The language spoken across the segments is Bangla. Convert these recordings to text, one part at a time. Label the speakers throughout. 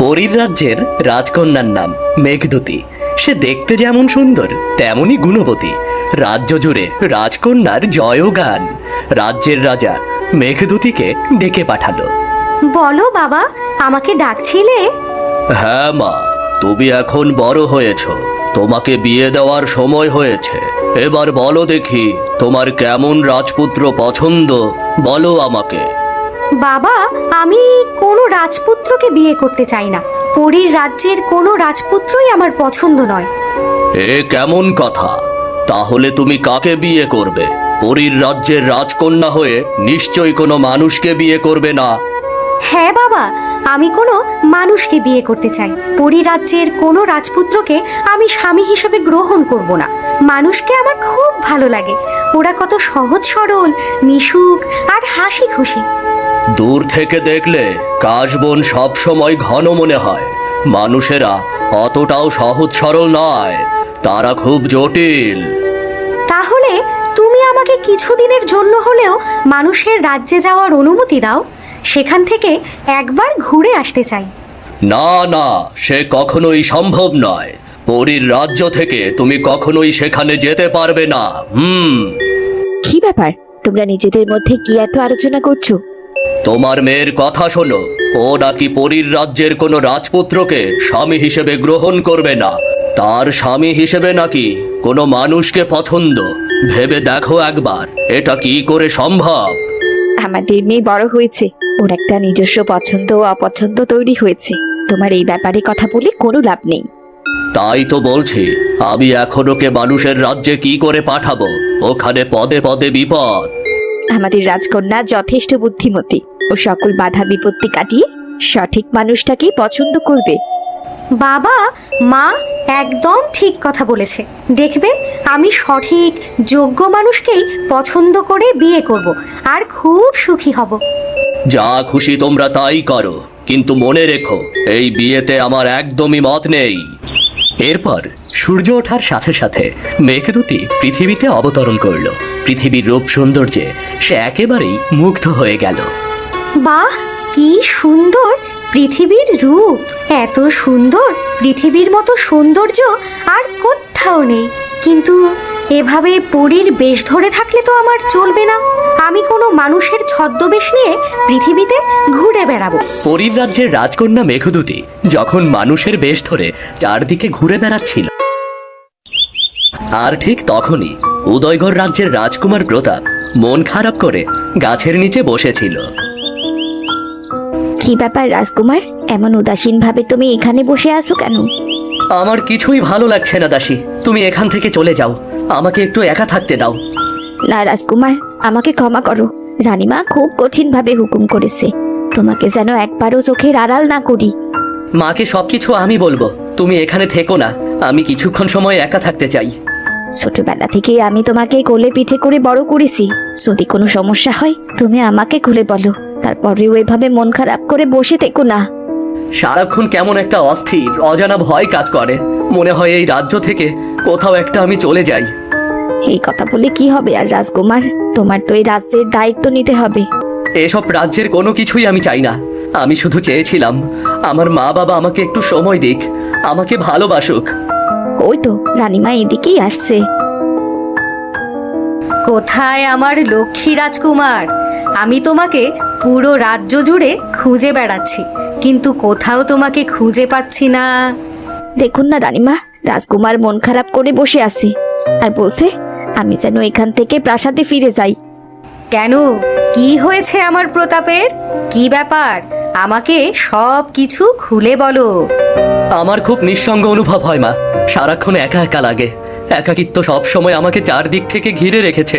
Speaker 1: পরীর রাজ্যের রাজকন্যার নাম মেঘদূতী। সে দেখতে যেমন সুন্দর তেমনই গুণবতী। রাজ্য জুড়ে রাজকন্যার জয়গান। রাজ্যের রাজা মেঘদূতীকে ডেকে পাঠালো।
Speaker 2: বলো বাবা, আমাকে ডাকছিলে?
Speaker 1: হ্যাঁ মা, তুমি এখন বড় হয়েছ, তোমাকে বিয়ে দেওয়ার সময় হয়েছে। এবার বলো দেখি, তোমার কেমন রাজপুত্র পছন্দ, বলো আমাকে।
Speaker 2: বাবা, আমি কোনো রাজপুত্রকে বিয়ে করতে চাই না। পরীর রাজ্যের কোনো রাজপুত্রই আমার পছন্দ নয়।
Speaker 1: এ কেমন কথা? তাহলে তুমি কাকে বিয়ে করবে? পরীর রাজ্যের রাজকন্যা হয়ে নিশ্চয়ই কোনো মানুষকে বিয়ে করবে না।
Speaker 2: হ্যাঁ বাবা, আমি কোনো মানুষকে বিয়ে করতে চাই। পরী রাজ্যের কোনো রাজপুত্রকে আমি স্বামী হিসেবে গ্রহণ করব না। মানুষকে আমার খুব ভালো লাগে। ওরা কত সহজ সরল, মিশুক আর হাসি খুশি।
Speaker 1: দূর থেকে দেখলে কাশবন সব সময় ঘন মনে হয়। মানুষেরা অতটাও সহজ সরল নয়, তারা খুব জটিল।
Speaker 2: তাহলে তুমি আমাকে কিছুদিনের জন্য হলেও মানুষের রাজ্যে যাওয়ার অনুমতি দাও। সেখান থেকে একবার ঘুরে আসতে চাই।
Speaker 1: না না, সে কখনোই সম্ভব নয়। পরীর রাজ্য থেকে তুমি কখনোই সেখানে যেতে পারবে না।
Speaker 3: কি ব্যাপার, তোমরা নিজেদের মধ্যে কি এত আলোচনা করছো?
Speaker 1: তোমার মেয়ের কথা শোনো। ও নাকি পরীর রাজ্যের কোনো রাজপুত্রকে স্বামী হিসেবে গ্রহণ করবে না। তার স্বামী হিসেবে নাকি কোনো মানুষকে পছন্দ। ভেবে দেখো একবার, এটা কি করে সম্ভব?
Speaker 3: আমাদের মেয়ে বড় হয়েছে, ওর একটা নিজস্ব পছন্দ ও অপছন্দ তৈরি হয়েছে। তোমার এই ব্যাপারে কথা বলে কোনো লাভ নেই।
Speaker 1: তাই তো বলছি, আমি এখন ওকে মানুষের রাজ্যে কি করে পাঠাবো? ওখানে পদে পদে বিপদ।
Speaker 3: আমাদের রাজকন্যা যথেষ্ট বুদ্ধিমতী, ও সকল বাধা বিপত্তি কাটিয়ে সঠিক মানুষটাকেই পছন্দ করবে।
Speaker 2: বাবা, মা একদম ঠিক কথা বলেছে। দেখবে, আমি সঠিক যোগ্য মানুষকেই পছন্দ করে বিয়ে করব আর খুব সুখী হব।
Speaker 1: যা খুশি তোমরা তাই করো, কিন্তু মনে রেখো, এই বিয়েতে আমার একদমই মত নেই। এরপর সূর্য ওঠার সাথে সাথে মেঘদূতী পৃথিবীতে অবতরণ করলো। পৃথিবীর রূপ সৌন্দর্যে সে একেবারেই মুগ্ধ হয়ে গেল।
Speaker 2: বাহ, কি সুন্দর পৃথিবীর রূপ! এত সুন্দর পৃথিবীর মতো সৌন্দর্য আর কোথাও নেই। কিন্তু এভাবে পরীর বেশ ধরে থাকলে তো আমার চলবে না। আমি কোনো মানুষের ছদ্মবেশ নিয়ে পৃথিবীতে ঘুরে বেড়াবো।
Speaker 1: পরীর রাজ্যের রাজকন্যা মেঘদূতী যখন মানুষের বেশ ধরে চারদিকে ঘুরে বেড়াচ্ছিল, আর ঠিক তখনই উদয়গড় রাজ্যের রাজকুমার প্রতাপ মন খারাপ করে গাছের নিচে বসেছিল।
Speaker 3: কি ব্যাপার রাজকুমার, এমন উদাসীন ভাবে তুমি এখানে বসে আছো কেন?
Speaker 1: আমার কিছুই ভালো লাগছে না দাসী, তুমি এখান থেকে চলে যাও। আমাকে একটু একা থাকতে দাও।
Speaker 3: না রাজকুমার, আমাকে ক্ষমা করো। রানীমা খুব কঠিন ভাবে হুকুম করেছে, তোমাকে যেন একবারও চোখের আড়াল না করি।
Speaker 1: মাকে সবকিছু আমি বলবো, তুমি এখানে থেকো না। আমি কিছুক্ষণ সময় একা থাকতে চাই।
Speaker 3: ছোটবেলা থেকে আমি তোমাকে কোলে পিঠে করে বড় করেছি। যদি কোনো সমস্যা হয় তুমি আমাকে খুলে বলো, তারপরেও এভাবে মন খারাপ করে বসে থেকো না।
Speaker 1: সারাক্ষণ কেমন একটা অস্থির অজানা ভয় কাজ করে। মনে হয় এই রাজ্য থেকে কোথাও একটা আমি চলে যাই।
Speaker 3: এই কথা বলে কি হবে আর রাজকুমার, তোমার তো এই রাজ্যের দায়িত্ব নিতে হবে।
Speaker 1: এসব রাজ্যের কোনো কিছুই আমি চাই না। আমি শুধু চেয়েছিলাম আমার মা বাবা আমাকে একটু সময় দিক, আমাকে ভালোবাসুক।
Speaker 3: ওই তো রানীমা এদিকেই আসছে।
Speaker 2: কোথায় আমার লক্ষ্মী রাজকুমার? আমি তোমাকে পুরো রাজ্য জুড়ে খুঁজে বেড়াচ্ছি, কিন্তু কোথাও তোমাকে খুঁজে পাচ্ছি না।
Speaker 3: দেখুন না রানীমা, রাজকুমার মন খারাপ করে বসে আছে আর বলছে আমি যেন এখান থেকে প্রাসাদে ফিরে যাই।
Speaker 2: কেন, কি হয়েছে আমার প্রতাপের? কি ব্যাপার? আমাকে সব কিছু খুলে বলো।
Speaker 1: আমার খুব নিঃসঙ্গ অনুভব হয় মা, সারাক্ষণ একা একা লাগে। একাকিত্ব সবসময় আমাকে চারদিক থেকে ঘিরে রেখেছে।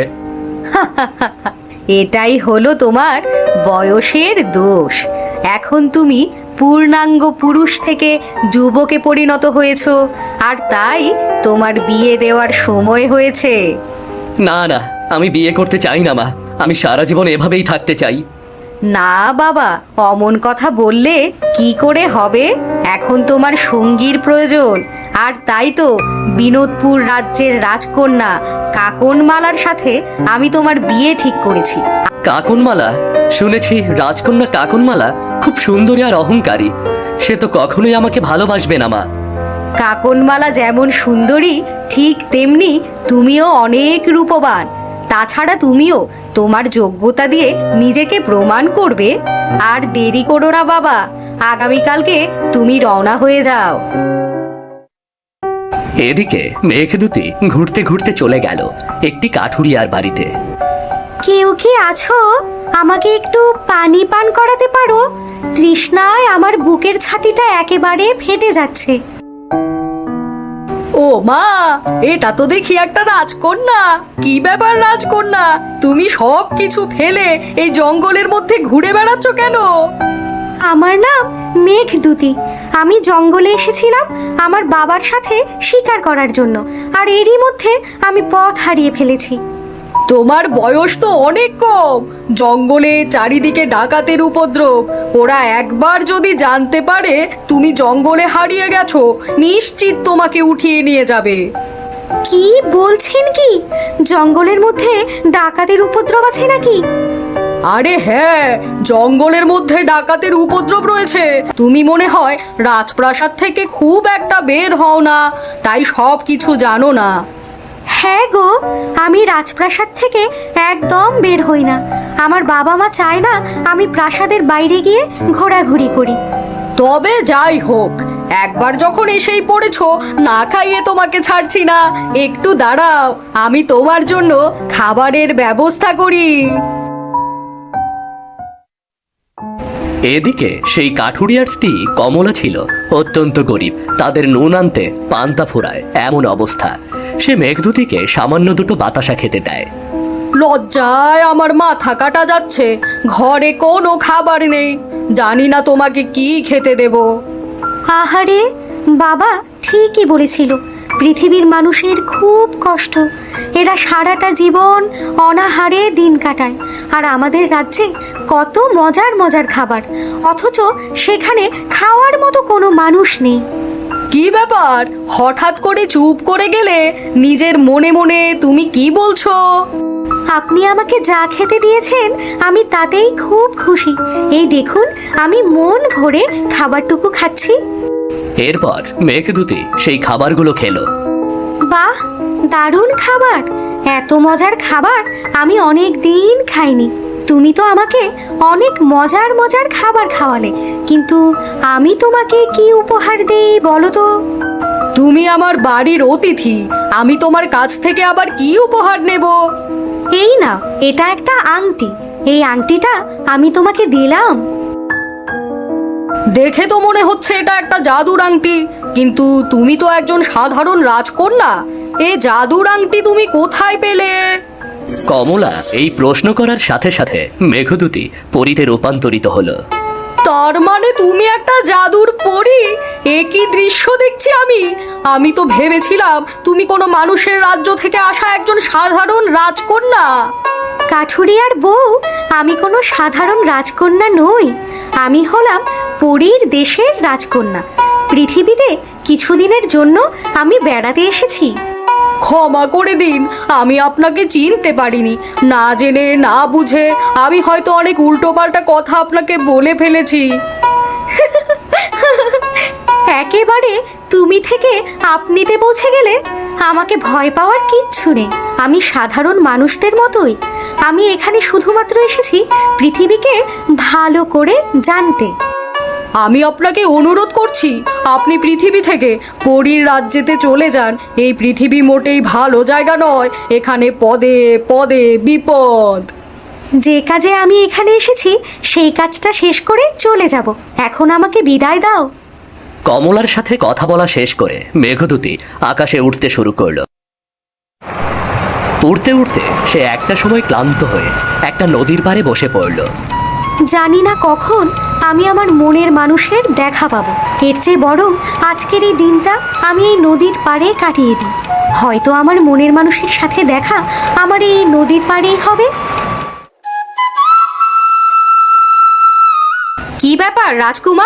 Speaker 2: এটাই হলো তোমার বয়সের দোষ। এখন তুমি পূর্ণাঙ্গ পুরুষ থেকে যুবকে পরিণত হয়েছো, আর তাই তোমার বিয়ে দেওয়ার সময় হয়েছে।
Speaker 1: না না, আমি বিয়ে করতে চাই না মা। আমি সারা জীবন এভাবেই থাকতে চাই।
Speaker 2: না বাবা, অমন কথা বললে কি করে হবে? এখন তোমার সঙ্গীর প্রয়োজন, আর তাই তো বিনোদপুর রাজ্যের রাজকন্যা কাকনমালার সাথে আমি তোমার বিয়ে ঠিক করেছি।
Speaker 1: কাকনমালা? শুনেছি রাজকন্যা কাকনমালা খুব সুন্দরী আর অহংকারী। সে তো কখনোই আমাকে ভালোবাসবে না মা।
Speaker 2: কাকনমালা যেমন সুন্দরী ঠিক তেমনি তুমিও অনেক রূপবান। তাছাড়া তুমিও তোমার যোগ্যতা দিয়ে নিজেকে প্রমাণ করবে। আর দেরি করো না বাবা, আগামীকালকে তুমি রওনা হয়ে যাও।
Speaker 1: এদিকে মেঘদূতী ঘুরতে ঘুরতে চলে গেল একটি কাঠুরিয়ার বাড়িতে।
Speaker 2: কেউ কি আছো? আমাকে একটু পানি পান করাতে পারো? তৃষ্ণায় আমার বুকের ছাতিটা একেবারে ফেটে যাচ্ছে।
Speaker 4: ও মা, এটা তো দেখি একটা রাজকন্যা। কি ব্যাপার রাজকন্যা, তুমি সব কিছু ফেলে এই জঙ্গলের মধ্যে ঘুরে বেড়াচ্ছ কেন?
Speaker 2: আমার নাম মেঘদূতী। আমি জঙ্গলে এসেছিলাম আমার বাবার সাথে শিকার করার জন্য, আর এরই মধ্যে আমি পথ হারিয়ে ফেলেছি।
Speaker 4: তোমার বয়স তো অনেক কম। জঙ্গলে চারিদিকে ডাকাতের উপদ্রব। ওরা একবার যদি জানতে পারে তুমি জঙ্গলে হারিয়ে গেছো, নিশ্চিত তোমাকে উঠিয়ে নিয়ে যাবে।
Speaker 2: কি বলছেন কি? জঙ্গলের মধ্যে ডাকাতের উপদ্রব আছে নাকি?
Speaker 4: আরে হ্যাঁ, জঙ্গলের মধ্যে ডাকাতের উপদ্রব রয়েছে। তুমি মনে হয় রাজপ্রাসাদ থেকে খুব একটা বের হও না, তাই সব কিছু জানো না।
Speaker 2: হ্যাঁ গো, আমি রাজপ্রাসাদ থেকে একদম বের হই না। আমার বাবা মা চায় না আমি প্রাসাদের বাইরে গিয়ে ঘোরাঘুরি করি।
Speaker 4: তবে যাই হোক, একবার যখন এসেই পড়েছো, না খাইয়ে তোমাকে ছাড়ছি না। একটু দাঁড়াও, আমি তোমার জন্য খাবারের ব্যবস্থা করি।
Speaker 1: এদিকে সেই কাঠুরিয়ার স্ত্রী কমলা ছিল অত্যন্ত গরিব। তাদের নুন আনতে পান্তা ফুরায় এমন অবস্থা। সে মেঘদূতীকে সামান্য দুটো বাতাসা খেতে দেয়।
Speaker 4: লজ্জায় আমার মাথা কাটা যাচ্ছে। ঘরে কোনো খাবার নেই, জানি না তোমাকে কি খেতে দেব।
Speaker 2: আহারে, বাবা ঠিকই বলেছিল, পৃথিবীর মানুষের খুব কষ্ট। এরা সারাটা জীবন অনাহারে দিন কাটায়, আর আমাদের রাজ্যে কত মজার মজার খাবার, অথচ সেখানে খাওয়ার মতো কোনো মানুষ নেই।
Speaker 4: কি ব্যাপার, হঠাৎ করে চুপ করে গেলে? নিজের মনে মনে তুমি কি বলছো?
Speaker 2: আপনি আমাকে যা খেতে দিয়েছেন আমি তাতেই খুব খুশি। এই দেখুন, আমি মন ভরে খাবারটুকু খাচ্ছি।
Speaker 1: এরপর মেঘদূতী সেই খাবারগুলো খেলো।
Speaker 2: বাহ, দারুণ খাবার! এত মজার খাবার আমি অনেক দিন খাইনি। তুমি তো আমাকে অনেক মজার মজার খাবার খাওয়ালে, কিন্তু আমি তোমাকে কি উপহার দেই বলো তো?
Speaker 4: তুমি আমার বাড়ির অতিথি, আমি তোমার কাছ থেকে আবার কি উপহার নেব?
Speaker 2: এই না, এটা একটা আংটি। এই আংটিটা আমি তোমাকে দিলাম।
Speaker 4: দেখে তো মনে হচ্ছে এটা একটা জাদুর আংটি, কিন্তু তুমি তো একজন সাধারণ রাজকন্যা। এই জাদুর আংটি তুমি কোথায় পেলে?
Speaker 1: কমলা এই প্রশ্ন করার সাথে সাথে মেঘদূতী পরীতে রূপান্তরিত হলো।
Speaker 4: তার মানে তুমি একটা জাদুর পরী? এ কি দৃশ্য দেখছি আমি! আমি তো ভেবেছিলাম তুমি কোনো মানুষের রাজ্য থেকে আসা একজন সাধারণ রাজকন্যা।
Speaker 2: কাঠুরিয়ার বউ, আমি কোনো সাধারণ রাজকন্যা নই। আমি হলাম পরীর দেশের রাজকন্যা। পৃথিবীতে কিছুদিনের জন্য আমি বেড়াতে এসেছি।
Speaker 4: ক্ষমা করে দিন, আমি আপনাকে চিনতে পারিনি। না জেনে না বুঝে আমি হয়তো অনেক উল্টোপাল্টা কথা আপনাকে বলে ফেলেছি।
Speaker 2: একেবারে তুমি থেকে আপনিতে পৌঁছে গেলে। আমাকে ভয় পাওয়ার কিচ্ছু নেই। আমি সাধারণ মানুষদের মতোই। আমি এখানে শুধুমাত্র এসেছি পৃথিবীকে ভালো করে জানতে।
Speaker 4: আমি আপনাকে অনুরোধ করছি, আপনি পৃথিবী থেকে পরীর রাজ্যেতে চলে যান। এই পৃথিবী মোটেই ভালো জায়গা নয়, এখানে পদে পদে বিপদ।
Speaker 2: যে কাজে আমি এখানে এসেছি সেই কাজটা শেষ করে চলে যাব। এখন আমাকে বিদায় দাও।
Speaker 1: কমলার সাথে কথা বলা শেষ করে মেঘদূতী আকাশে উঠতে শুরু করলো। উড়তে উড়তে সে একটা সময় ক্লান্ত হয়ে একটা নদীর পাড়ে বসে পড়ল।
Speaker 2: জানি না কখন আমি আমার মনের মানুষের দেখা পাবো। এর চেয়ে বরং আজকের এই দিনটা আমি এই নদীর পাড়ে কাটিয়ে দিই। হয়তো আমার মনের মানুষের সাথে দেখা আমার এই নদীর পাড়েই হবে। কি ব্যাপার রাজকুমার,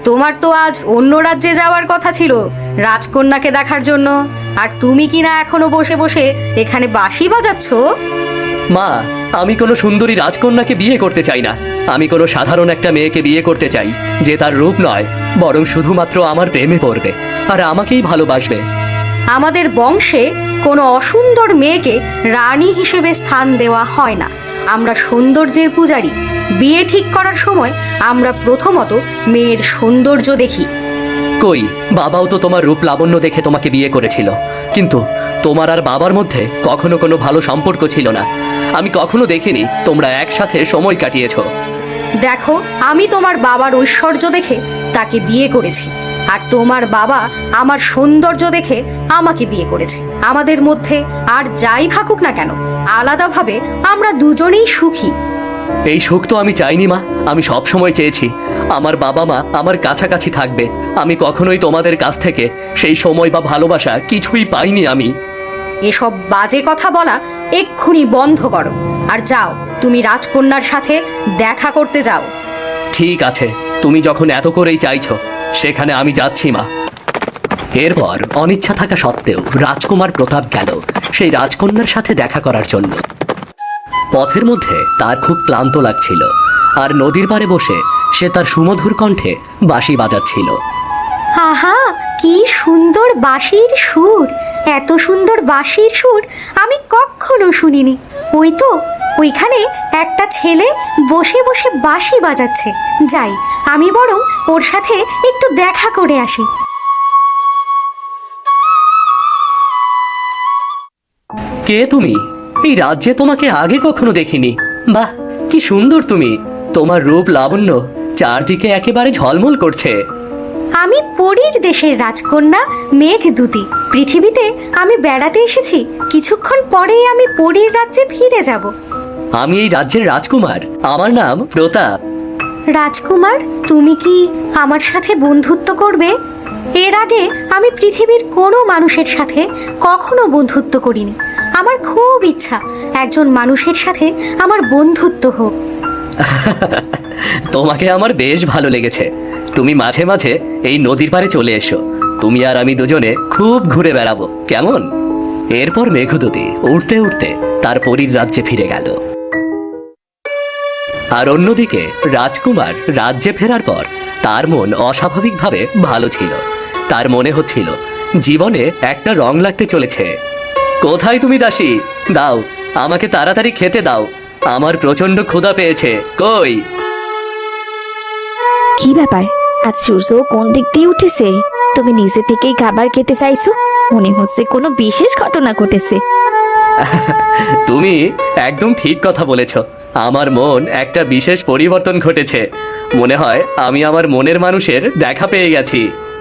Speaker 4: তোমার তো আজ অন্য রাজ্যে যাওয়ার কথা ছিল রাজকন্যাকে দেখার জন্য, আর তুমি কি না এখনো বসে বসে এখানে বাঁশি বাজাচ্ছ?
Speaker 1: মা, আমি কোনো সুন্দরী রাজকন্যাকে বিয়ে করতে চাই না। আমি কোনো সাধারণ একটা মেয়েকে বিয়ে করতে চাই, যে তার রূপ নয়, বরং শুধুমাত্র আমার প্রেমে পড়বে আর আমাকেই ভালোবাসবে।
Speaker 4: আমাদের বংশে কোনো অসুন্দর মেয়েকে রানী হিসেবে স্থান দেওয়া হয় না। আমরা সৌন্দর্যের পূজারী। বিয়ে ঠিক করার সময় আমরা প্রথমত মেয়ের সৌন্দর্য দেখি।
Speaker 1: কই, বাবাও তো তোমার রূপ লাবণ্য দেখে তোমাকে বিয়ে করেছিল, কিন্তু তোমার আর বাবার মধ্যে কখনো কোনো ভালো সম্পর্ক ছিল না। আমি কখনো দেখিনি তোমরা একসাথে সময় কাটিয়েছো।
Speaker 4: দেখো, আমি তোমার বাবার ঐশ্বর্য দেখে তাকে বিয়ে করেছি, আর তোমার বাবা আমার সৌন্দর্য দেখে আমাকে বিয়ে করেছে। আমাদের মধ্যে আর যাই থাকুক না কেন, আলাদাভাবে আমরা দুজনেই সুখী।
Speaker 1: এই সুখ তো আমি চাইনি মা, আমি সব সময় চেয়েছি আমার বাবা মা আমার কাছাকাছি থাকবে। আমি কখনোই তোমাদের কাছ থেকে সেই সময় বা ভালোবাসা কিছুই পাইনি আমি।
Speaker 4: এসব বাজে কথা বলা এক্ষুনি বন্ধ করো, আর যাও তুমি রাজকন্যার সাথে দেখা করতে যাও।
Speaker 1: ঠিক আছে, তুমি যখন এত করেই চাইছো, সেখানে আমি যাচ্ছি মা। এরপর অনিচ্ছা থাকা সত্ত্বেও রাজকুমার প্রতাপ গেল সেই রাজকন্যার সাথে দেখা করার জন্য। পথের মধ্যে তার খুব ক্লান্ত লাগছিল, আর নদীর পাড়ে বসে সে তার সুমধুর কণ্ঠে বাঁশি বাজাচ্ছিল।
Speaker 2: আহা, কি সুন্দর বাঁশির সুর! এত সুন্দর বাঁশির সুর আমি কখনো শুনিনি। ওই তো, ওইখানে একটা ছেলে বসে বসে বাঁশি বাজাচ্ছে। যাই, আমি বরং ওর সাথে একটু দেখা করে আসি।
Speaker 1: কে তুমি? এই রাজ্যে তোমাকে আগে কখনো দেখিনি। বাহ, কি সুন্দর তুমি! তোমার রূপ লাবণ্য চারদিকে একেবারে ঝলমল করছে।
Speaker 2: আমি পরীর দেশের রাজকন্যা মেঘদূতী। পৃথিবীতে আমি বেড়াতে এসেছি, কিছুক্ষণ পরেই আমি পরীর রাজ্যে ফিরে যাব।
Speaker 1: আমি এই রাজ্যের রাজকুমার, আমার নাম প্রতাপ।
Speaker 2: রাজকুমার, তুমি কি আমার সাথে বন্ধুত্ব করবে? এর আগে আমি পৃথিবীর কোনো মানুষের সাথে কখনো বন্ধুত্ব করিনি। আমার খুব ইচ্ছা একজন মানুষের সাথে আমার বন্ধুত্ব হোক।
Speaker 1: তোমাকে আমার বেশ ভালো লেগেছে। তুমি মাঝে মাঝে এই নদীর পাড়ে চলে এসো, তুমি আর আমি দুজনে খুব ঘুরে বেড়াবো, কেমন? এরপর মেঘদূতী উড়তে উড়তে তার পরীর রাজ্যে ফিরে গেল। আর অন্যদিকে রাজকুমার রাজ্যে ফেরার পর তার মন অস্বাভাবিকভাবে ভালো ছিল। তার মনে হচ্ছিল জীবনে একটা রং লাগতে চলেছে। কোথায় তুমি দাসী? দাও, আমাকে তাড়াতাড়ি খেতে দাও, আমার প্রচন্ড ক্ষুধা পেয়েছে। কই?
Speaker 3: কি ব্যাপার, আজ সূর্য কোন দিক দিয়ে উঠেছে? তুমি নিজে থেকেই খাবার খেতে চাইছো? মনে হচ্ছে কোনো বিশেষ ঘটনা ঘটেছে।
Speaker 1: তুমি একদম ঠিক কথা বলেছ। আমার মন একটা বিশেষ পরিবর্তন ঘটেছে। মনে হয় আমি আমার মনের মানুষের দেখা পেয়ে গেছি।